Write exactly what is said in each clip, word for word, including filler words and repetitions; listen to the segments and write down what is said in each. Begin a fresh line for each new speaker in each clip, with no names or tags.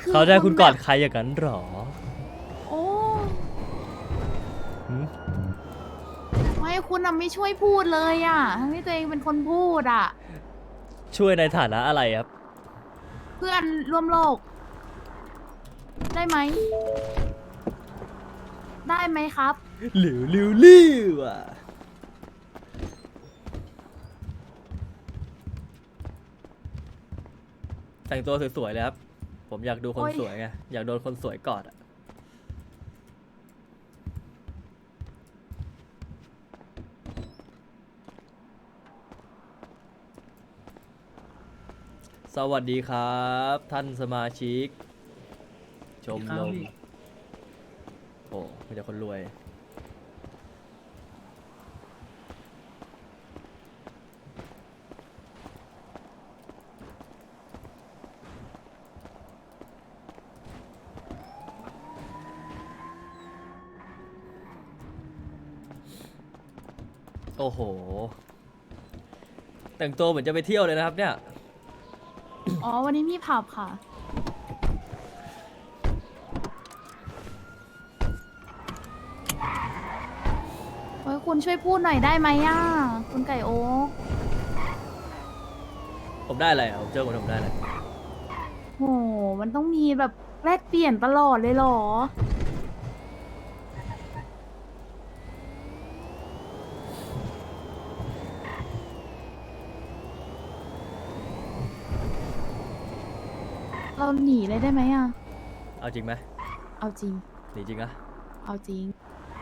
คือ
เขาได้คุณกอด
แบบ
ใครอย่างนั้นหรอ
โอ้
หืม
ไม่คุณอะไม่ช่วยพูดเลยอ่ะทั้งที่ตัวเองเป็นคนพูดอ่ะ
ช่วยในฐานะอะไรครับ
เพื่อนร่วมโลก ได้ไหม ได้ไหมครับ
หลิวลิวลิวอ่ะแต่งตัวสวยๆเลยครับ ผมอยากดูคน
โอ้ย
สวยไง อยากโดนคนสวยกอดอะสวัสดีครับ ท่านสมาชิก ชมรมโอ้มีแต่คนรวย โอ้โห แต่งตัวเหมือนจะไปเที่ยวเลยนะครับเนี่ย
อ๋อ วันนี้มีผับค่ะ เฮ้ย คุณช่วยพูดหน่อยได้ไหมอ่ะ คุณไก่โอ๊ก
ผมได้อะไรอ่ะผมเจอคนผมได้อะไร
โห มันต้องมีแบบแลกเปลี่ยนตลอดเลยเหรอ เราหนีเลยได้ไหมอ่ะ
เอาจริงไหม
เอาจริง
หนีจริงอะ
เอาจริง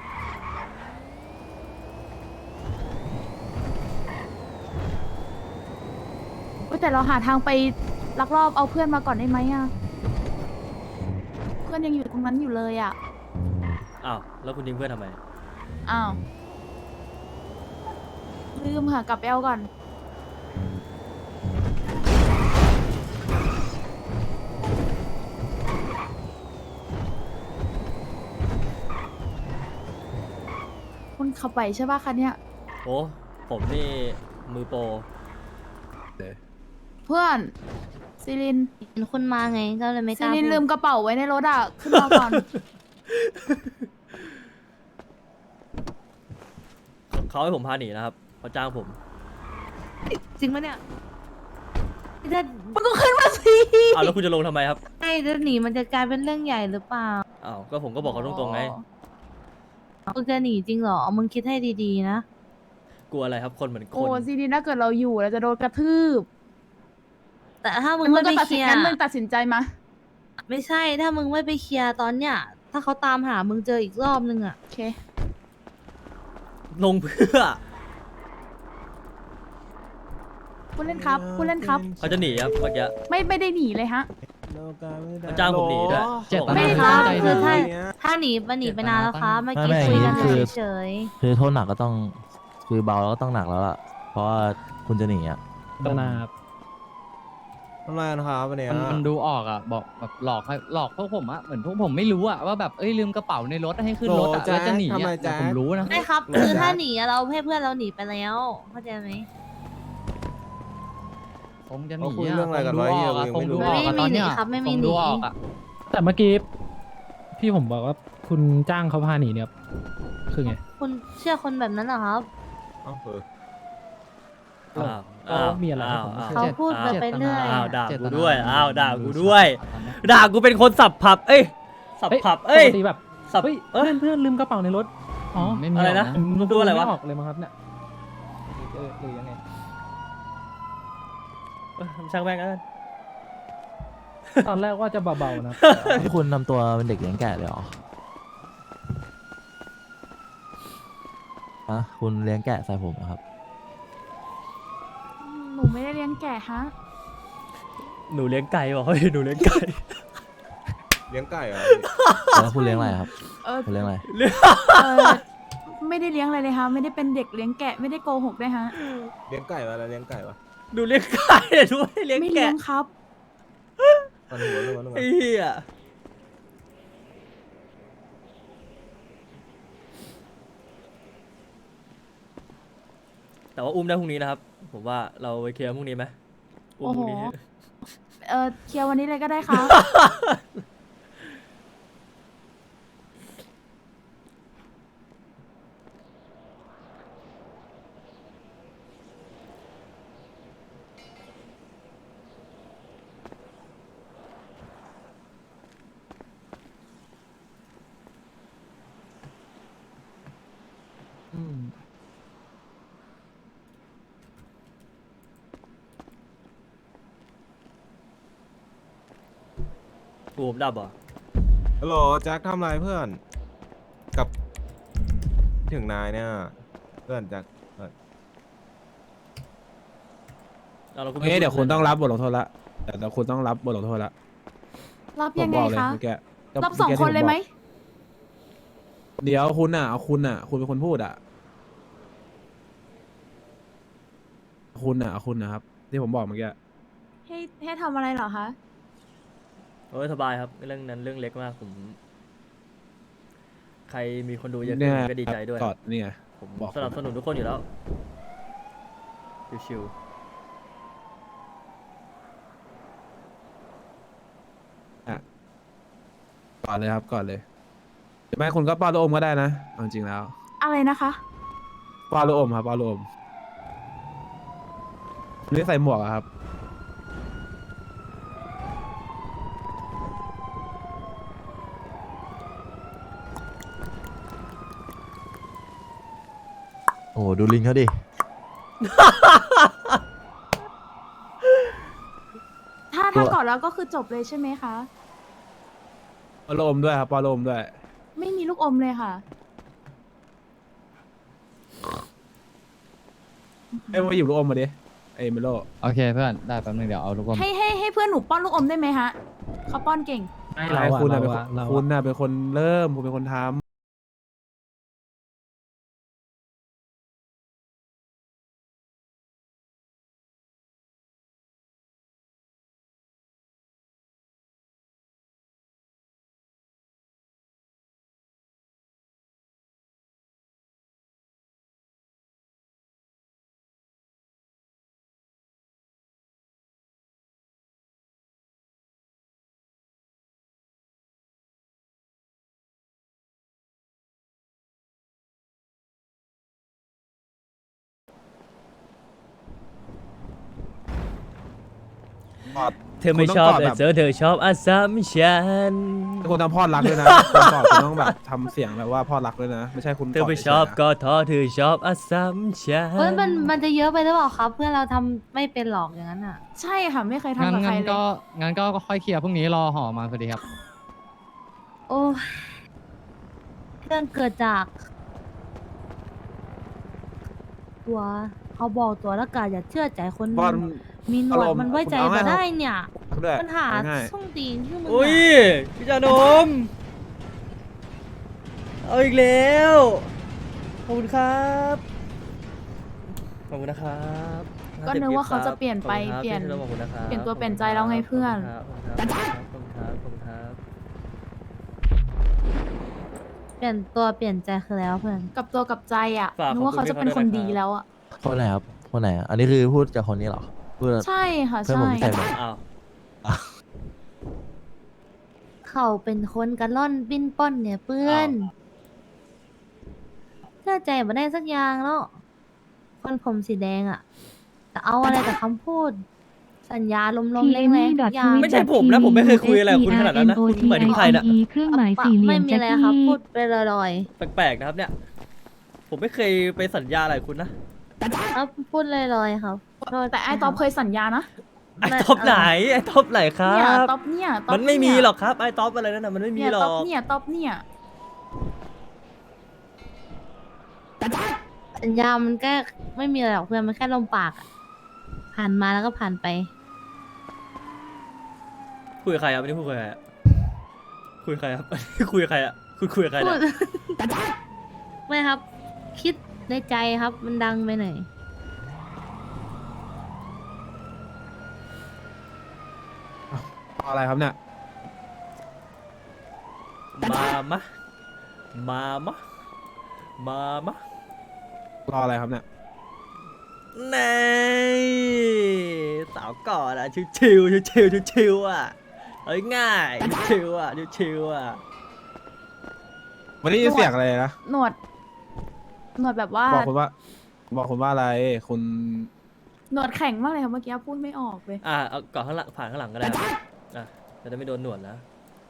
เว้ยแต่เราหาทางไปลักลอบเอาเพื่อนมาก่อนได้ไหมอ่ะ เพื่อนยังอยู่ตรงนั้นอยู่เลยอ่ะ
อ้าว แล้วคุณทิ้งเพื่อนทำไม
อ้าว ลืมค่ะ กลับไปเอาก่อน คุณขับไหวใช่ป่ะคะเนี่ย
โอ้ ผมนี่มือโปร
เพื่อนซิลิน
เห็นคุณมาไงก็เลยไม่ก
ซิ
ล้า
ลิน
พูด
ลืมกระเป๋าไว้ในรถอ่ะ ขึ้นมาก่อน
เขาให้ผมพาหนีนะครับเขาจ้างผม
จริงปะเนี่ยจะ
มันก็ขึ้นมาสิ
อ้าวแล้วคุณจะลงทำไมครับ
ให้จะหนีมันจะกลายเป็นเรื่องใหญ่หรือเปล่า
อ้าว ก็ผมก็บอกเขาตรงๆไง
มึงจะหนีจริงเหรอมึงคิดให้ดีๆนะ
กลัวอะไรครับ คนเหมือนค
โอ้
น
ซิลินถ้าเกิดเราอยู่เราจะโดนกระทืบ
แต่ถ้ามึง
งั้นมึ
ไม่
งก็ตัด
ไปเค
สิน
ลียร์
งั้นมึงตัดสินใจมา
ไม่ใช่ถ้ามึงไม่ไปเคลียร์ตอนเนี้ยถ้าเขาตามหามึงเจออีกรอบนึงอะ
โอเค
ลงเพื่อ
คุณเล่นครับ คุณเล่นครับ
เขาจะหนีครับเมื่อกี้
ไม่ไม่ได้หนีเลยฮะ
เขาจ้างผมหนีด้วย
เจ็บ
เขาบอก
ไม่
ว่า
ครับ
ใจ
คือถ้า
ดี
ถ้าหนีมันหนีไปนานแล้วครับเมื่อกี้
ไม่ไม่
คุยกัน
คือ
เฉย
คือโทษหนักก็ต้องคือเบาแล้วก็ต้องหนักแล้วล่ะ เพราะว่าคุณจะหนีอ่ะ
ตนาครับ
ทำไมนะครับวันเนี้ย
มันมันดูออกอ่ะบอกแบบหลอกให้หลอกพวกผมอ่ะเหมือนพวกผมไม่รู้อ่ะว่าแบบเอ้ยลืมกระเป๋าในรถให้ขึ้นรถอ่ะ
โอ้แจ๊ค
แล้วจะหนี
ทำไม
อ่ะ
แจ๊
แต่
ค
ผมรู้นะ
ๆไม่ครับคือถ้าหนีอะเราให้เพื่อนเราหนีไปแล้วเข้าใจไหม
ผมจะห
เขา
นี
คุย
อ่ะ
เรื่องอะไรกัน
ผม
ไว้
ดู
เหี้
อย อกอ่ะ
ยัง
ผม
ไม่
ดู
รู้
ออกอ่ะตอนเนี้ย
ไม่มีหนีครับไม่มี
ผม
หนี
ดูออกอ่ะ
แต่เมื่อกี้พี่ผมบอกว่าคุณจ้างเขาพาหนีเนี่ยคือไง
คุณเชื่อคนแบบนั้นเหรอครับ
เอ้าเออ
อ้าว
ก็มีอะไร
อ้าว
ผมไม่
อ้าว
เข้าใจ
เขาพูดไปไปเรื่อย
อ้าวด่า
เจต
กู
นา
ด้วย อ้าวด่ากูด้วย
ตอนเนี้ย
ด่ากูเป็นคนสับผับ เอ้ย สับผับ เอ้ย
ปกติแบบ
สับ
เฮ้ย
เอ้
เพื่อย นเพื่อนลืมกระเป๋าในรถอ๋อ
ไม่มี
อะไรนะ
หก
ผม
ดูอะไรวะ
ม่ออกเลยมั้งครับเนี่ยเออหรือยังไง
เอ้ยช่างแม่งแล้วกัน
ตอนแรกว่าจะเบาๆนะ
ที่คุณทำตัวเป็นเด็กเลี้ยงแกะเลยเหรออะคุณเลี้ยงแกะใส่ผมเหรอครับ
หนูไม่ได้เลี้ยงแกะฮะ
หนูเลี้ยงไก่บอกเฮ้ยหนูเลี้ยงไก่
เลี้ยงไก่เหรอ
แล้วคุณเลี้ยงอะไรครับ
เออ
คุณเลี้ยงอะไร
เออไม่ได้เลี้ยงอะไรเลยฮะ ไม่ได้เป็นเด็กเลี้ยงแกะ ไม่ได้โกหกด้วยฮะ
เลี้ยงไก่วะอะไรเลี้ยงไก่วะ
หนูเลี้ยงไก่หนูไม่ได้เลี้ยง
ไม่เลี้
แกะ
ยงครับ
มันหัวเรื่องมันเรื่อง
ไอ้เหี้ยแต่ว่าอุ้มได้พรุ่งนี้นะครับ ผมว่าเราไปเคลียร์พรุ่งนี้ไหมอุ้มพรุ่งนี้
โอ้โหเออเคลียร์วันนี้เลยก็ได้ครับ
อืม
กูผมดับเหรอ
ฮัลโหลแจ็คทำไรเพื่อน กับถึงนายเนี่ย เพื่อนแจ็คเพื่อน
เอาแล้วกู
โอเคเดี๋ยวคุณต้องรับบทลงโทษละเดี๋ยวเดี๋ยวคุณต้องรับบทลงโทษละ
รับ
ผม
ยังไง
บอกเลย
คะ
เมื่อกี้
รับสองคนเลยไหม
เดี๋ยวคุณอ่ะเอาคุณอ่ะ คุณเป็นคนพูดอ่ะ คุณอ่ะเอาคุณนะครับ ที่ผมบอกเมื่อกี้
ให้ให้ทำอะไรเหรอคะ
โอ้ยสบายครับเรื่องนั้นเรื่องเล็กมากผม ใครมีคนดูเยอะขึ้
เนี่
น
ย
ผมก็ดีใจด้วย
กอดนี่ไง
ผม
บอก
สนับสนุนทุกคนอยู่แล้วชิว
กอดเลยครับกอดเลยหรือไม่คุณก็ป้อนลูกอมก็ได้นะเอาจริงๆแล้ว
อะไรนะคะ
ป้อนลูกอมครับป้อนลูกอมหรือใส่หมวกอะครับ
โอ้โหดูลิงเขาดิ
ถ้าถ้าก่อนแล้วก็คือจบเลยใช่ไหมคะ
ป้อนลูกอมด้วยครับป้อนลูกอมด้วย
ไม่มีลูกอมเลยค่ะ
เอ้ยมาหยิบลูกอมมาดิเอ้ยเมโล
โอเคเพื่อนได้แป๊บนึงเดี๋ยวเอาลูกอม
ให้ให้ให้เพื่อนหนูป้อนลูกอมได้ไหมฮะเขาป้อนเก่ง
ไม่
อะไร
เราอะ
คุณน่ะ
เรา
เป็นค
อะ
น
เรา
คุณ
อะ
น่ะเป็นคนเริ่มคุณเป็นคนทำ
ๆเธอไม่ชอบ
คุณต้องกอด
แต่
แบบ
เธอเธอชอบอาซัมชัน
คุณทำพ่อรักด้วยนะ คุณกอดคุณต้องแบบทำเสียงแบบว่าพ่อรักด้วยนะ ไม่ใช่คุณ
เธอไม่
กด
ชอบ
เฉยๆนะ
ก็ท้อเธอชอบอาซัมชัน
เฮ้ยมันมันจะเยอะไปหรือเปล่าครับ เพื่อนเราทำไม่เป็นหรอกอย่างนั้นอ่ะ
ใช่ค่ะ ไม่เคย
งั้น
ทำกับใคร
งั้น
เล
ก็
ย
งั้นก็ค่อยเคลียร์พรุ่งนี้รอห่อมาพอดีครับ
โอ้ยเรื่องเกิดจาก ตัวเขาบอกตัวแล้วกันอย่าเชื่อใจคน
ป้อน
มีหนวด
อารมณ์
มันไว้ใจ
คุณเอา
มา
ง่ายๆ
ได้เนี่ย
ด้วย
ปัญหา
ง่าย
ช่องตีนที่มึง
อุ้ย
อะ
พี่จานมเอาอีกแล้ว ขอบคุณครับ ขอบคุณนะครับ
ก็นึกว่าเขาจะเปลี่ยนไป
ขอบคุณครับ
เปลี่ยน
พี่ธขอบคุณนะครับ
เปลี่ยนตัวเปลี่ยนใจแล้วไงเพื่อน
ขอบคุณครับขอบคุณครับขอบคุณครับ
เปลี่ยนตัวเปลี่ยนใจคือแล้วเพื่อน
กับตัวกับใจอ่ะ
ฝาก
นึกว่า
ขอบ
เขา
คุณ
จะเป็น
พี่
คน
เขาด้วย
ดี
นะครับ
แล้วอ่ะ
คนไหนครับ คนไหนอ่ะ อันนี้คือพูดจากคนนี้เหรอ พูด
ใช่ค่ะ
เพื่อน
ใช่
ผมที่ใส่มา
อ้าว
เขาเป็นคนกระล่อนปิ้นป้อนเนี่ยเพื่อนเชื่อใจมาได้สักอย่างแล้วคนผมสีแดงอะแต่เอาอะไรกับคำพูด สัญญาลมๆแรงๆทุกอย่าง
ไม่ใช่ผมนะผมไม่เคยคุยอะไรกับคุณขนาดนั้นนะคุณหมายถึงใครน่ะ
เครื่องหมายสี่เหลี่
ไม่
ยม
มี
แจ็ค
อะไร
กี้
ครับ พูดไปลอย
แปลกๆนะครับเนี่ย ผมไม่เคยไปสัญญาอะไรกับคุณนะ
ๆครับพูดลอยๆครับโทษ
แต่ไอ้ตอบเคยสัญญานะ
ไอ้ท็อปไหน ไอ้ท็อปไหนครั
เนี่ย
บ
ตอบเนี่ยตอบ
มันไม่มี
เนี่ย
หรอกครับ ไอ้ท็อปอะไรนั่นน่ะมันไม่มี
เนี่ย
หร
ต
อ
อบ
ก
เนี่ยตอบเนี่ย
สัญญามันแค่ไม่มีอะไรหรอกเพื่อนมันแค่ลมปากอะผ่านมาแล้วก็ผ่านไป
คุยกับใครครับอันนี้คุยกับใครอะคุยกับใครครับ คุยกับใครอะคุณคุยกับใคร
พู
เนี่ย
ด ไม่ครับ คิดในใจครับ มันดังไปหน่อย
รออะไรครับเนี่ย
มามะ มามะ มามะ
รออะไรครับเนี่ย
ในสาวก่อนอะชิวชิวชิวชิวชิวชิวๆอ่ะเอ้ยง่ายชิวๆอ่ะชิวชิวๆอ่ะ
วันนี้ยินเสียงอะไรนะ
หนวด หนวดแบบว่า
บอกคุณว่า บอกคุณว่าอะไร คุณ
หนวดแข็งมากเลยค่ะเมื่อกี้พูดไม่ออกเลย
อ่ะเอาก่อนข้างหลังผ่านข้างหลังก็ได้ครับอ่ะจะได้ไม่โดนหนวดนะ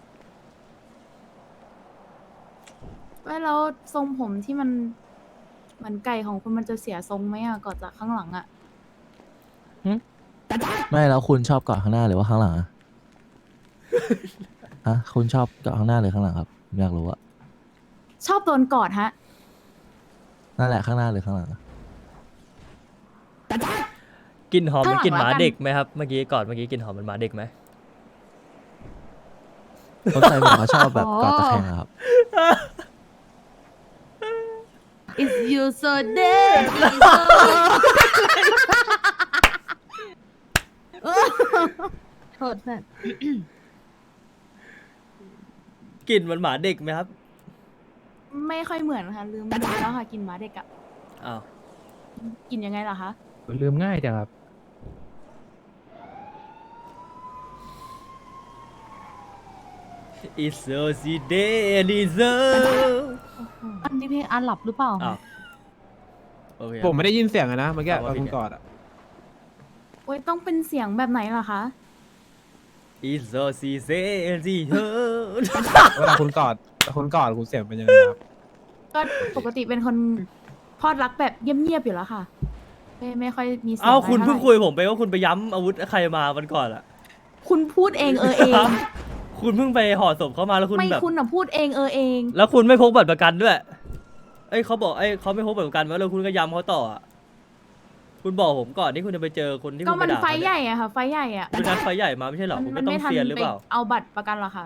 ว่าแล้วทรงผมที่มันเหมือนไก่ของคุณมันจะเสียทรงไหมอะก่อนจากข้างหลังอะ
ไม่แล้วคุณชอบเกาะข้างหน้าหรือว่าข้างหลังอะ ฮะคุณชอบเกาะข้างหน้าหรือข้างหลังครับผมอยากรู้อะ
ชอบโดนกอดฮะ
นั่นแหละข้างหน้าหรือข้างหลังอะ
กลินหอมเหมัน
ข้างหลัง
กลินหมา
แล้วกัน
เด็กไหมครับ เมื่อกี้ก่อนเมื่อกี้กลินหอมเหมันหมาเด็กไหม
คนไทยเหมือนเขาชอบแบบเกาะตะแคงอะครับ
It's you so dead โทษเพื่อน
กลิ่นเหมันหมาเด็กไหมครับ
ไม่ค่อยเหมือนค่ะลืมไปแล้วค่ะกินหมาเด็กอะ
อ้าว
กินยังไงล่ะคะ
ลืมง่ายจังครับ
It's so si de Eliza
อันนี้เพลงอาหลับหรือเปล่า
อ้าวโอเค
ผมไม่ได้ยินเสียงอะนะเมื่อกี้
เอา
ต
ว่า
อน
ผิด
คุณ
ไง
กอดอะ
โอ้ยต้องเป็นเสียงแบบไหนล่ะคะ
It's so si de Eliza
เวลาคุณกอดคุณกอดคุณเสียงเป็นยังไงครับ
ก็ปกติเป็นคนพอดรักแบบเงียบๆอยู่แล้วค่ะ ไม่ไม่ค่อยมีเสียง
เอ้า
อะไร
คุณ
ท่า
เพิ่ง
ไหร่
คุยผมไปว่าคุณไปย้ำอาวุธใครมาวันก่อนอะ
คุณพูดเองเออเอง
คุณเพิ่งไปห่อศพเขามาแล้วคุณ
ไม่
แบบ
คุณอ่ะพูดเองเออเอง
แล้วคุณไม่พกบัตรประกันด้วย เอ้ยเขาบอกเอ้ยเขาไม่พกบัตรประกันมาแล้วคุณก็ย้ำเขาต่ออะคุณบอกผมก่อนที่คุณจะไปเจอคนที่
ก็
คุณไป
มัน
ด่า
ไฟ
เขา
ให
เนี่ย
ญ่อะค่ะ ไฟใหญ่อะ
คุณนัดไฟใหญ่มาไม่ใช่เหรอ
มั
คุณ
มั
ก็ต้อง
ไม่ทัน
เซียนหรือ
ไป
เปล่า
เอาบัตรประกันหรอกค่ะ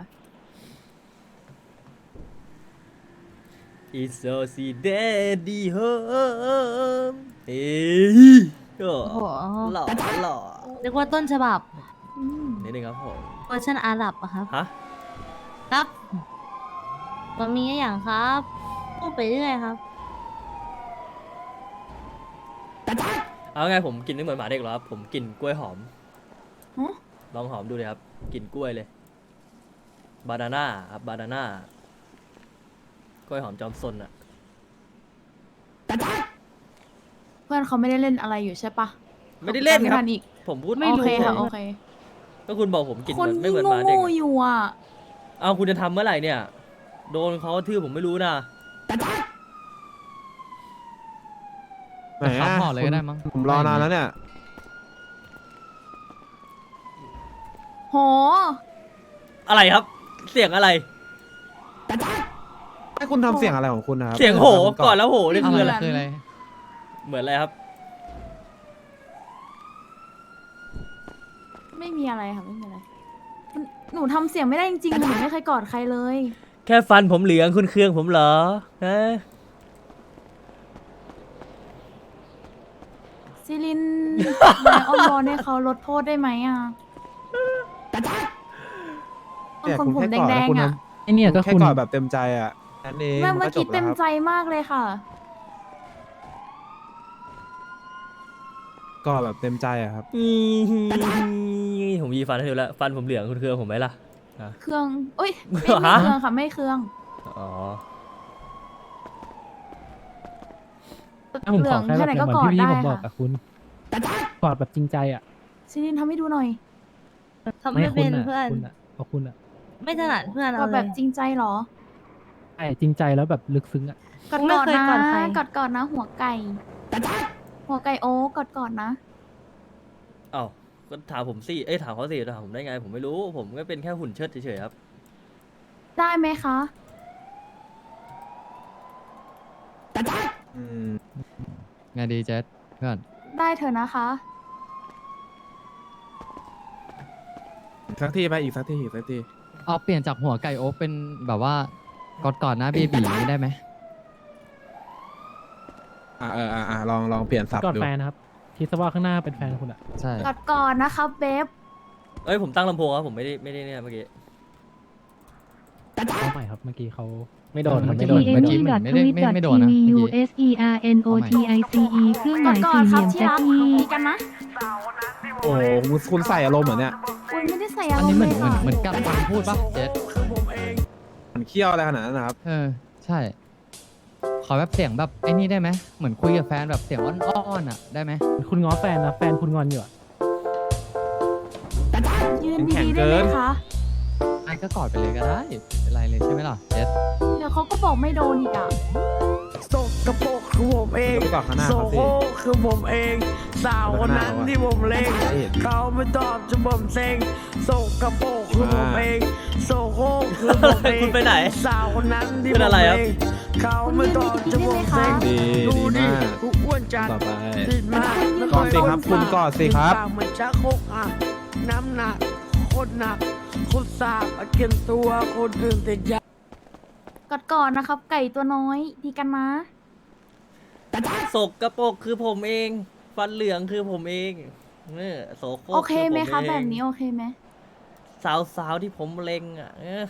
It's so si daddy home เอ้ยโอ้
โอ้โห
หล่อหล่อ
เรียกว่าต้นฉบับ
อืม
นิดนึงครับผม
เวอร์ชันอาหรับอะครับ
ฮะ
ครับมันมีอย่างครับพูดไปเรื่อยครับ
เอาไงผมกินไม่เหมือนหมาเด็กหรอครับผมกินกล้วยหอม
ฮะ
ลองหอมดูเลยครับกินกล้วยเลยบานาน่าครับบานาน่ากล้วยหอมจอมซนอะ
เพื่อนเขาไม่ได้เล่นอะไรอยู่ใช่ปะ
ไม่ได้เล่นครับ
จำทัอีก
ผมพูด
โอ
ไม่รู้
เคค่ะโอเค
ก็คุณบอกผมกิน
คน
ไม่
ยิ่
เหมือน
ง
หมาเด็ก
โง่ๆอยู่อ่ะ
เอาคุณจะทำเมื่อไหร่เนี่ย โดนเขาทื่อผมไม่รู้นะ
ไหน
เขา
อะ
ห่อเลยก็ได้มั้ง
ผมรอนานแล้วเนี่ย
โห
อะไรครับ เสียงอะไร
ให้คุณทำเสียงอะไรของคุณนะครับ
เสียงโห
คุณ
ก่อนแล้วโหนี่
ไม่
คือ
เหมื
อะไร
น
คืออะไร
เหมือนอะไรครับ
ไม่มีอะไรค่ะไม่มีอะไรมันหนูทำเสียงไม่ได้จริงๆหนูไม่เคยกอดใครเลย
แค่ฟันผมเหลืองคุณเคืองผมเหรอฮะ
ซิลิน นายอ้อนวอนให้เขาลดโทษได้ไหมอ่ะบาง
เนี่ย
คน
คุณ
ผม
แค่กอด
แด
แล้ว
ง
คุณ
ๆ
ท
อ่ะ
ไอเนี่ย
ำ
ก็
แค่
คุณ
กอดแบบเต็มใจอ่ะนั่นเอง
แม่
มัน
เมื่อ
ก็จ
กี้
บ
เต็
แล้ว
ม
ครับ
ใจมากเลยค่ะ
กอดแบบเต็มใจอ่ะครับ
อีผมยีฟันให้ดูแล้ว ฟันผมเหลืองคุณเคืองผมไหมล่ะ
เครื่องเอ้ยไม่ไม่
ฮะ
เครื่องค่ะไม่เครื่อง
อ๋อ
ถ้าผม
เหลื
ข
อ
อง แค่
แค่
แบบ
ไหน
เห
ก็
มือน
กอด
ที่
ได้
พี่ผมบอก
ค่ะ
กับคุณกอดแบบจริงใจอ่ะ
ซิลินทำให้ดูหน่อย
ทำไม่
คุ
เป็
ณ
น
อ่ะ
เพื่อน
คุณอ่ะเอาคุณอ่ะ
ไม่ถนัดเพื่อน
ก
เอา
อด
เล
แบ
ย
บจริงใจเหรอ
ใช่จริงใจแล้วแบบลึกซึ้งอ่ะ
กอด
ไม่
กอด
เคย
นะ
กอดใคร
กอดกอดนะ หัวไก่ หัวไก่โอ๊กกอดกอดนะ
เอ้าก็ถามผมสิ เอ้ยถามเขาสิถามผมได้ไง ผมไม่รู้ ผมก็เป็นแค่หุ่นเชิดเฉยๆครับ
ได้ไหมคะ
อืม
ไงดีเจสเพื่อน
ได้เถอะนะคะ
อีกสักทีไปอีกสักทีอีกสักที
เอาเปลี่ยนจากหัวไก่โอ๊กเป็นแบบว่ากอดก่อนนะเบบีนี้ได้ไหม
อ่าเอออ่าอ่าลองลองเปลี่ยนศัพท์
กอด
ดู
แฟนนะครับคิดซะว่าข้างหน้าเป็นแฟนคุณอ่ะ
ใช่
กอดก่อนนะคะเบฟ
เอ้ยผมตั้งลำโพงครับผมไม่ได้ไม่ได้เนี่ยเมื่อกี้
เอาใหม่ครับเมื่อกี้เขาไม่โดนครับ
เมื่
ไม่
อ
โด
กี้
น
เมื่
ไม่
อ
โด
กี้
น
เหมือนไม่ได้ไม่ไม่โดนนะเมื่อกี้
u s e r n o t i c e เครื่องห
ก่อ
มาน ย
ก่อ
สี่
น
เห
ครั
ลี่
บ
ยม
ที่
แจ็คกี้
รักดีกันนะ
โอ้โหคุณคุณใส่อารมณ์เหมือนเนี่ย
อุ้ยไม่ได้ใส่
อั
อาน รม
นี้
ณ์
เหมื
เล
อน
ย
เหมือน
ค่ะ
เหมือนกับการพูดปะเจ็ด
มันเคี้ยวอะไรขนาดนั้นนะครับ
เออใช่ ขอแบบเสียงแบบไอ้นี่ได้ไหมเหมือนคุยกับแฟนแบบเสียงอ้อนๆอ่ะได้ไหม
คุณง้อแฟนนะแฟนคุณงอนอยู่อะ
ยืน
แข็ง
ดีๆ
เกิ
ได้ไหม
น
คะ
ไอ้ก็กอดไปเลยก็ได้ไม่เป็นไรเลยใช่ไหมล่ะเจ็ด
เดี๋ยวเขาก็บอกไม่โดนอีกอ่ะ
สกปรกคือผมเอง
ไปก่อนข้างหน้า
โซ
ครับสิ
โคคือผมเอง สาวคนนั้นที่ผมเล็ง
ไม่เห็น
เขาไม่ตอบจนผมเซ็งสกปรกคือผมเองโซโคคือผมเอง
คุณไปไหน
สาวคนนั้นที่
เป็
ผ
น
ม
อะไรครับ
เล็งเขาไม่ตอบจนผมเซ็ง
ดี
ดู
ดี
ดิ
มาก
กูอ้วนจัด
ต่อไป
ติดมากแล้ว
กอดสิครับคุณกอดสิครับ
ปากเหมือนชักโครกอ่ะน้ำหนักโคตรหนักโคตรสาบอาเกียนตัวคนอื่นติดยา
กอดก่อนนะครับ ไก่ตัวน้อยดีกันนะ
สกปรกคือผมเอง ฟันเหลืองคือผมเองเนี่ยโสโครก
โอเคไหม
อ
คะ
ผอง
แบบนี้โอเคไหม
สาวสาวๆที่ผมเล็งอ่ะเออ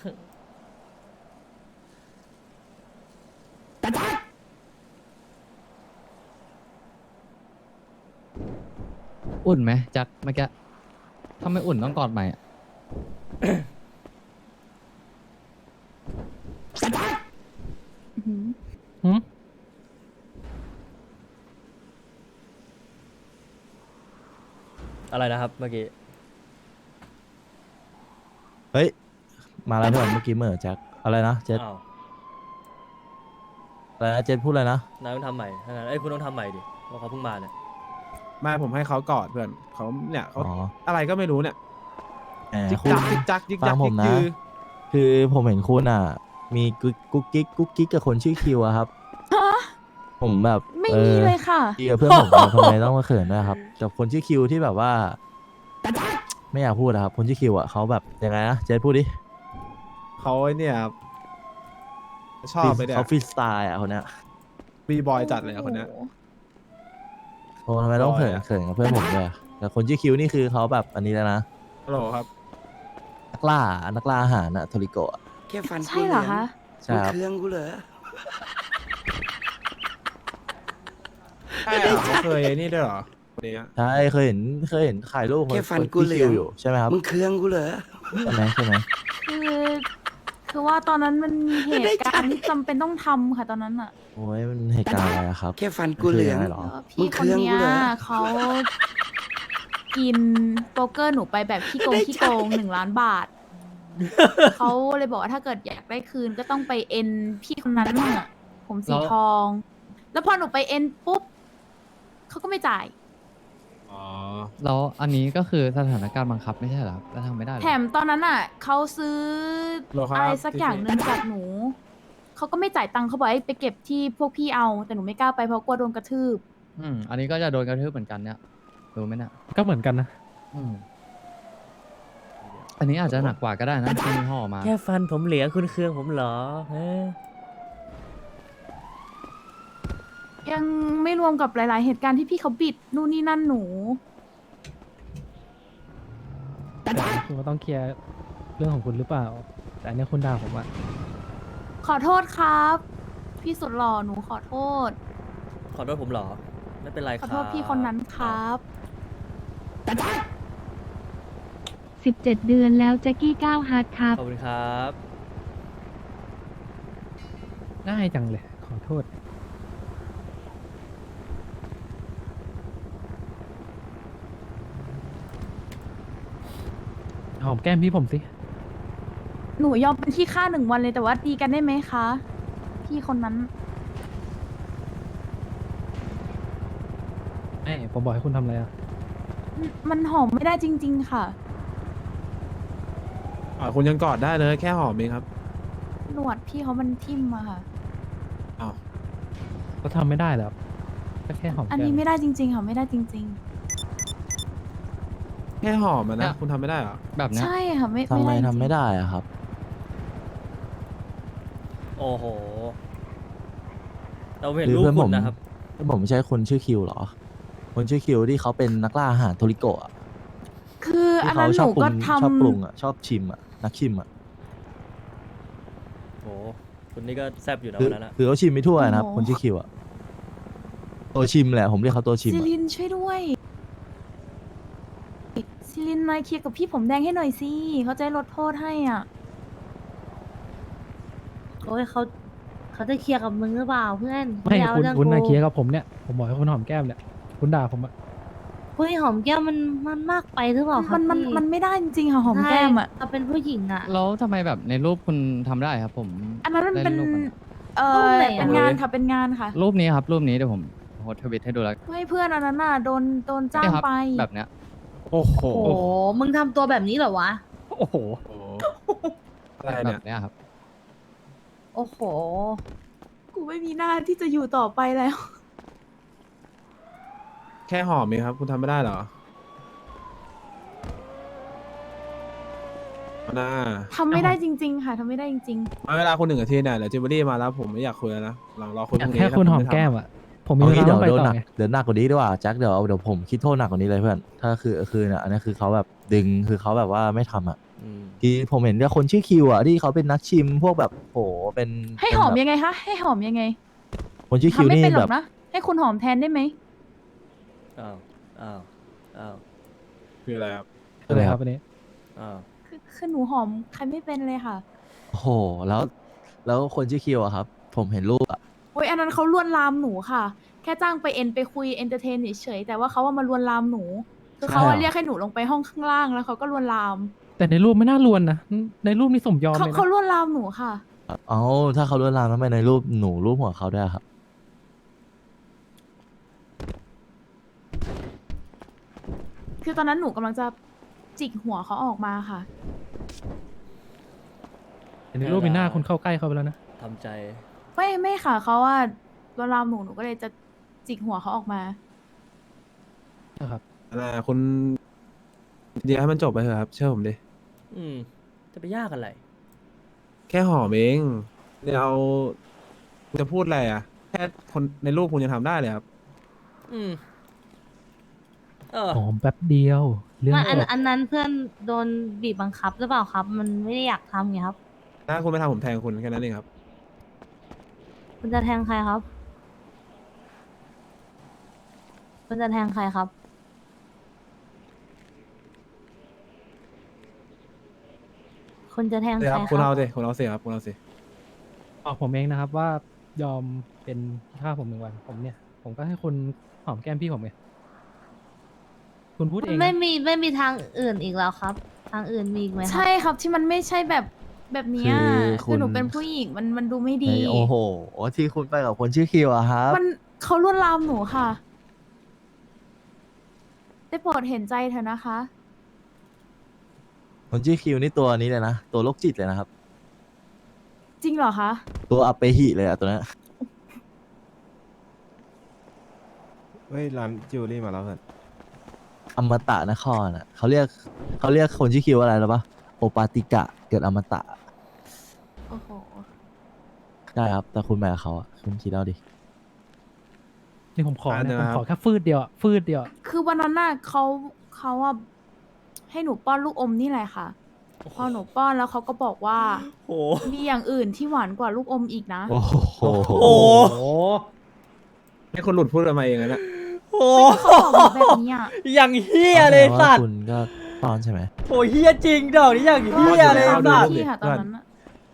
อุ่นไหมแจ็คเมื่อกี้ถ้าไม่อุ่นต้องกอดใหม่อะ
อื้อหือ
หืม
อะไรนะครับเมื่อกี้
เฮ้ย มาแล้วเพื่อนเมื่อกี้เหมื่อแจ็คอะไรนะเจ็ด
อ้าว
อะไรนะเจ็ดพูดอะไรนะ
นายต้องทำใหม่ถ้างั้นเอ้ยคุณต้องทำใหม่ดิเพราะเขาเพิ่งมาเนี่ย
ไม่ผมให้เขากอดเพื่อนเขาเนี่ยเขา
อ๋อ
อะไรก็ไม่รู้เนี่ย
แหม
จิก
คุณ
จักจิกจักจิก
ฟั
จั
ง
ก
ผ
จิ
ม
ก
นะ
จือ
คือผมเห็นคุณอ่ะ มีกุ๊กกุ๊กกิ๊กกุ๊กกิ๊กกับคนชื่อคิวอะครับ ผมแบบ
ไม่
อ
มี
อ
เลยค่ะ
ดีกับเพื่อนผมอะทำไมต้องมาเขินด้วยครับกับคนชื่อคิวที่แบบว่า ไม่อยากพูดอะครับ คนชื่อคิวอะเขาแบบยังไงนะเจสพูดดิ
เขาไอ้เนี่ยครับชอบไปเนี่ย
เขาฟรีสไตล์อะคนเนี้ย
บีบอยจัดเลยอะคนเนี้ย
โอ้ทำไมต้องเขิน
บอยอะ
เขินกับเพื่อนผมด้วยอะแต่คนชื่อคิวนี่คือเขาแบบอันนี้แล้วนะ
ฮัลโหลครับ
นักล่านักล่าอาหารอะโทริโกะอะ
แค่ฟัน
ใช่เหรอคะ
ใช่
มัน
ครับ
เครื่องกูเหรอ
ใช่เหรอเขาเคยไอ้นี่ด้วยเหรอคนนี้อะ
ใช่เคยเห็นเคยเห็นถ่ายรูป
แค่ฟัน
ค
กู
ที่
เหลื
คิ
อ
ว
ง
อยู่ใช่ไหมครับ
มึงเครื่องกูเหรอ
ใช่ไหมใช่ไหม
คือคือว่าตอนนั้นมันมีเหตุการณ์ที่จำเป็นต้องทำค่ะตอนนั้นอ่ะ
โอ้ยมันเหตุการณ์อะไรอะครับ
แค่ฟันกูเหลือง
มันคืออะไรหรอ
เออพี่คนเนี้ยเขากินโป๊กเกอร์หนูไปแบบขี้โกงขี้โกงหนึ่งล้านบาท เขาเลยบอกว่าถ้าเกิดอยากได้คืนก็ต้องไปเอ็นพี่คนนั้นน่ะผมสีทอง แล้วพอหนูไปเอ็นปุ๊บเขาก็ไม่จ่าย
อ๋อ
แล้วอันนี้ก็คือสถานการณ์บังคับไม่ใช่เหรอครับแล้วทำไม่ได้เหรอ
แถมตอนนั้นอ่ะเขาซื้อ
โลครับ
อะไรสักอย่างหนึ่งจากหนูเขาก็ไม่จ่ายตังค์เขาบอกให้ไปเก็บที่พวกพี่เอา แต่หนูไม่กล้าไปเพราะกลัวโดนกระทืบ
อืมอันนี้ก็จะโดนกระทืบเหมือนกันเนี่ยรู้ไหมเนี่ย
ก็เหมือนกันนะ
อืมอันนี้อาจจะหนักกว่าก็ได้นะที่มีห่อมา
แค่ฟันผมเหลืองคุณเครื่องผมเหรอเฮ้ย
ยังไม่รวมกับหลาย ๆ เหตุการณ์ที่พี่เขาบิดนู่นนี่นั่นหนู
คุณก็ต้องเคลียร์เรื่องของคุณหรือเปล่า แต่อันเนี้ยคุณด่าผมอะ
ขอโทษครับ พี่สุดหล่อหนูขอโทษ
ขอโทษผมเหรอ ไม่เป็นไรค
ข
รั
อบ โทษพี่คนนั้นครับ
สิบเจ็ดเดือนแล้วแจ็คกี้เก้าฮาร์ดครับ
ขอบคุณครับ
ง่ายจังเลย ขอโทษ หอมแก้มพี่ผมสิ
หนูยอมเป็นที่ค่าหนึ่งวันเลยแต่ว่าดีกันได้ไหมคะ พี่คนนั้น
ไอ้ผมบอกให้คุณทำอะไรอะ
มันหอมไม่ได้จริง ๆ ค่ะ
อ่าคุณยังกอดได้เลยแค่หอมเองครับ
หนวดพี่เขามันทิ่มอะค่ะ
อ้าว
ก็ทำไม่ได้แล้วก็แค่หอม
อัน
แก้
นี้
ม
ไม่ได้จริง ๆ ค่ะไม่ได้จริง
แค่หอมอะ
เนี่
นะ
ย
คุณทำไม่ได้เหรอ
แบบ
ๆ
เนี้ย
ใช่ค่ะไม่
ทำไม
ด้จริงๆ
ทำไม่ได้อะครับ
โอ้โห เราเห็น
คือ
รูป
เพื่อน
คุ
ผม
ณนะครับ
เพื่อนผมไม่ใช่คนชื่อคิวเหรอ คนชื่อคิวที่เขาเป็นนักล่าอาหารโทริโกะอะ
คืออัน
ที่
นั้
เขา
นห
ชอบ
นู
ปรุ
ก็
ง
ทำ
ชอบปรุงอะชอบชิมอะนักชิมอะ
โอ้คุณนี่ก็แซบอยู่นะ
คือ
วันนั้นอะ
คือเขาชิมไม่ทั่วนะครับ
โอ้โห
คนชื่อคิวอะตัวชิมแหละผมเรียกเขาตัวชิม
ซิ
อะ
ลินช่วยด้วยซิลินมาเคลียร์กับพี่ผมแดงให้หน่อยสิเขาจะได้ลดโทษให้อ่ะ
โอ้ยเขาเขาจะเคลียร์กับมึงหรือเปล่าเพื่อน
ไม่
เอา
คุณ
เรื่อง
คุณนา
กู
เคลียร์กับผมเนี่ยผมบอกให้คุณหอมแก้มเนี่ยคุณด่าผมอะ
เฮ้ยหอมแก้มมันมันมากไปหรือเปล่าครั
มั
บ
นมัน
พี่
มันไม่ได้จริงๆค่ะหอมแก้มอ่ะ
ใช่เราเป็นผู้หญิงอ่ะ
แล้วทำไมแบบในรูปคุณทำได้ครับ ผม
อันนั้นมันเป็น
ได้รูปอะ
เอ่
รู
อ
ปไหนอะ
เป็นงานค่ะเป็นงานค่ะ
รูปนี้ครับรูปนี้เดี๋ยวผมโพสทวิตให้ดูแล้ว
ไม่เพื่อนอันนั้นน่ะโดนโดนจ้าง
เนี่ยครับ
ไป
แบบเนี้ย
โอ้โห
โอ้โหมึงทำตัวแบบนี้เหรอวะ
โอ้โห
โอ้โหอะไร
แบ
เนี่ย
บเนี้ยครับ
โอ้โห
กูไม่มีหน้าที่จะอยู่ต่อไปแล้ว
แค่หอมเองครับ คุณทำไม่ได้เหรอมาน่า
ทำไม่ได้จริง ๆ ค่ะทำไม่ได้จริง
เอาเวลาคุณหนึ่งนาทีเนี่ยเดี๋ยวจิบรี่มาแล้วผมไม่อยากคุยแล้วนะหลังรอคุย
อ
พ
ยาก
รุ่งนี้
แค่
ถ้า
คุณหอม
ไทำ
แก้มอะผมมี
เอา
เว
งี้
ลา
เดี๋
ต้
ย
องไปต่อ
วโดนหนัก
ไง
เดี๋ยวหนักกว่านี้ดีกว่าแจ็คเดี๋ยวเดี๋ยวผมคิดโทษหนักกว่านี้เลยเพื่อนถ้าคือคือเนี่ยอันนี้คือเขาแบบดึงคือเขาแบบว่าไม่ทำอ่ะ
อืม
ที่ผมเห็นเนี่ยคนชื่อคิวอ่ะที่เขาเป็นนักชิมพวกแบบโหเป็น
ๆ ให้หอม
เป็นแบบ
ยังไงคะให้หอมยังไง
คนชื่อคิว
ทำไม่
นี่
เป็นหร
แบ
อบ กนะ ให้คุณหอมแทนได้ไหม
อ้าวอ้าวอ้าว
คืออะไรครับ
อะไรครับอันนี้
อ้าว
คือคือหนูหอมใครไม่เป็นเลยค่ะ
โอ้โหแล้วแล้วคนชื่อคิวอะครับ ผมเห็นรูปอะ
โอ้ยอันนั้นเขาลวนลามหนูค่ะ แค่จ้างไปเอ็นไปคุยเอนเตอร์เทนเฉยๆแต่ว่าเขาว่ามาลวนลามหนู คือเขาอะเรียกให้หนูลงไปห้องข้างล่างแล้วเขาก็ลวนลาม
แต่ในรูปไม่น่าลวนนะในรูปนี่สมยอม
เขา
เลยนะ
เขาลวนลามหนูค่ะ
เอ้าถ้าเขาลวนลามทำไมในรูปหนูรูปหัวเขาได้วยอะครับ
คือตอนนั้นหนูกำลังจะจิกหัวเขาออกมาค่ะ
แต่ในรูปมีหน้าคุณเข้าใกล้เขาไปแล้วนะ
ทำใจ
ไม่ไม่ค่ะเขาว่าลวนลามหนูหนูก็เลยจะจิกหัวเขาออกมา
นะครับ
อะไรอะคุณเดี๋ยวให้มันจบไปเถอะครับ เชื่อผมดิ
อืมจะไปยากอะไร
แค่หอมเองเดี๋ยวเอาจะพูดอะไรอ่ะ แค่คนในรูปคุณยังทำได้เลยครับ
อืมเออ
หอมแป๊บเดียว เรื่อง
มันอัน
จบ
อันนั้นเพื่อนโดนบีบบังคับหรือเปล่าครับ มันไม่ได้อยากทำไงครับ
ถ้าคุณไม่ทำผมแทงคุณแค่นั้นเองครับ
คุณจะแทงใครครับ คุณจะแทงใครครับ คุณจะแทง
เดี๋ยว
ใค
ค
ร
รับ
ค
คุณ
รั
เอา
บ
สิคุณเอาสิครับคุณเอาสิ
บอกผมเองนะครับว่ายอมเป็นท่าสผมหนึ่งวันผมเนี่ย ผมก็ให้คุณหอมแก้มพี่ผมไงคุณพูดเองนะ
ไม่มีไม่มีทางอื่นอีกแล้วครับ ทางอื่นมีอีกไหมครั
ใช่ครับที่มันไม่ใช่แบบแบบเนี้ย
คือคุ
คือ
ณ
หนูเป็นผู้หญิงมันมันดูไม่ดี
ในโอ้โหที่คุณไปกับคนชื่อคิวอะครับ
มันเขาลวนลามหนูค่ะ ได้โปรดเห็นใจเถอะนะคะ
คนชื่อคิวนี่ตัวนี้เลยนะตัวโรคจิตเลยนะครับ
จริงเหรอคะ
ตัวอัปเปหิเลยอะตัวนั้น
เฮ้ยร้านจิวเวลรี่มาแล้วเพื่อน
อมตะนครอะเขาเรียกเขาเรียกคนชื่อคิวอะไรหรอปะโอปาติกะเกิดอมตะ
โอ้โห
ได้ครับแต่คุณไปกับเขาอะคุณคิดเอาดิ
นี่ผมขอ
อ่าเดี๋
นะ
ยว
ผม
นะครับ
ขอแค่ฟืดเดียวอะฟืดเดียวอะ
คือวันนั้นน่ะเขาเขาอะให้หนูป้อนลูกอมนี่แหละค่ะ พอหนูป้อนแล้วเขาก็บอกว่า
โห
มีอย่างอื่นที่หวานกว่าลูกอมอีกนะ
โอ้โห
โอ้
ให้คนหลุดพูดออกมาเองนะเนี่ย
โห
เขาบอกหนูแบบนี้อะ
อย่างเฮียเลย
อาแสดงว่า
สัตว์
คุณก็ตอนใช่ไหม
โหเฮียจริงดอกนี้อย่างเฮียเลย
อาดู
สัต
รู
ว์
ปดิ
พี่ค่ะตอนนั้นอะ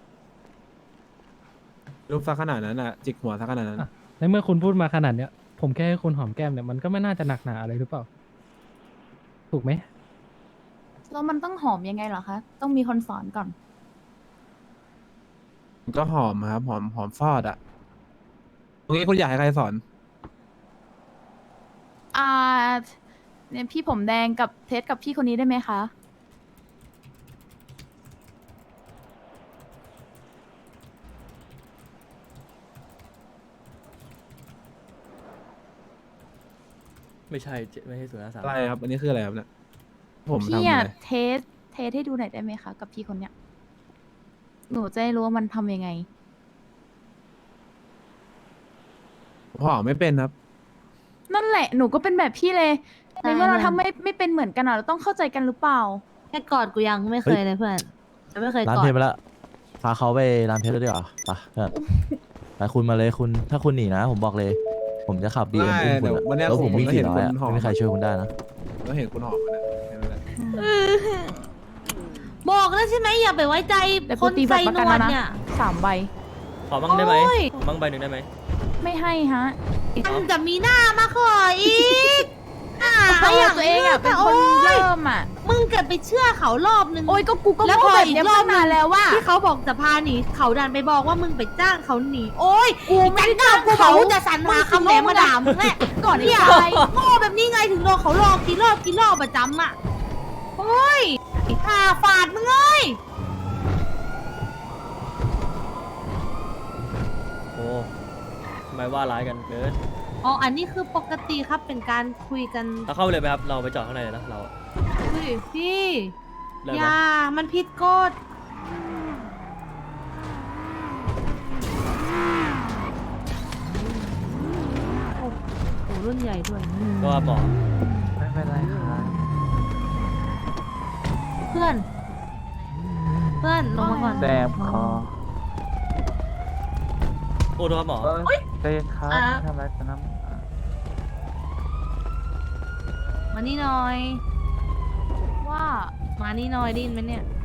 รูปซักขนาดนั้นอ่ะ จิกหัวซักขนาดนั้น
อ่ะในเมื่อคุณพูดมาขนาดเนี้ย ผมแค่ให้คุณหอมแก้มเนี่ยมันก็ไม่น่าจะหนักหนาอะไรหรือเปล่า ถูกไหม
แล้วมันต้องหอมยังไงเหรอคะ ต้องมีคนสอนก่อน
ก็หอมครับหอมหอมฟอดอ่ะตรงนี้คุณอยากให้ใครสอน
อ่าเนี่ยพี่ผมแดงกับเทสกับพี่คนนี้ได้ไหมคะ
ไม่ใช่เจไม่ใช่ศูนย์ห้าสาม
อะไรครับ อันนี้คืออะไรครับเนี่ยผมทำ
พี่
อะ
อะ
ไร
เทสเทสให้ดูหน่อยได้ไหมคะ กับพี่คนเนี้ย หนูจะได้รู้ว่ามันทำยังไง
ผมหอมไม่เป็นครับ
นั่นแหละหนูก็เป็นแบบพี่เลย
ใช่
ในเมื่อเรา
มัน
ทำไม่ไม่เป็นเหมือนกันอะเราต้องเข้าใจกันหรือเปล่า
แค่กอดกูยังไม่เคยเลยเพื่อนจะไม่เคย
ร้าน
กอ
เพล
ด
งไปละพาเขาไปร้านเพชรด้วยดีกว่าไปเพื่อนไปคุณมาเลยคุณถ้าคุณหนีนะ ผมบอกเลย ผมจะขับบีเอ็ม
ได้
คุณ
เดี๋ยว
อะ
วันเนี้ย
แล้วผม
ผม
วิ่ง
ก็
สี่
เห็น
ร้อยอะ
คนห่อ
ไม่มีใครช่วยคุณได้นะ
ก็เห็นคุณหอมมาแค่นั้นแหละ
บอกแล้วใช่ไหมอย่าไปไว้ใจ
แต่
ค
กู
น
ตี
ใจ
บัตรประ
น
กัน
วล
แล้วนะ
เนี่ย
สามใบ
ขอบ้างได้ไหม
โอ้ย
ขอบ้างใบหนึ่งได้ไหม
ไม่ให้ฮะ
มันจะมีหน้ามาขออีกอ่า
เพราะว่าตัวเองอ่ะเป็นคน
โอ้ย
เริ่มอ่ะ
มึงเกิดไปเชื่อเขารอบนึง
โอ้ยก็กูก็
แล้ว
โง่
พอ
แบบ
อีก
เนี้ย
รอบ
มานานแล้วว่า
ที่เขาบอกจะพาหนีเขาดันไปบอกว่ามึงไปจ้างเขาหนีโอ้ย
กูไม่ได้
จั
จ้าง
กู
เขา
บอกจะสรรหาคำแหลมมาด่ามึงแหละ
ก่อนที่
เนี่ย
จะไป
โง่แบบนี้ไงถึงโดนเขาหลอกกี่รอบกี่รอบประจำอ่ะโอ้ยหาฝาดมึงเอ้ย
โอ้ทำไมว่าร้ายกันเกิน
อ๋ออันนี้คือปกติครับเป็นการคุยกัน
เราเข้าไปเลยไหมครับเราไปจอดข้างในเลยนะเรา
อุ้ยพี่
เริ่ม
อ
ไหม
ย่ามันผิดกฎโอ้โหรุ่นใหญ่ด้วย
ก็ว่าหมอ
ไม่เป็นไรครับ
เพื่อน เพื่อนลงมาก่อน
แดมคอ
โอ้โทษครับหมอ
ใจเย็นครับ
อ่ะ
ทำอะไรกันนะ
มานี่หน่อย
ว่า
มานี่หน่อยได้ยินไหมเนี่ย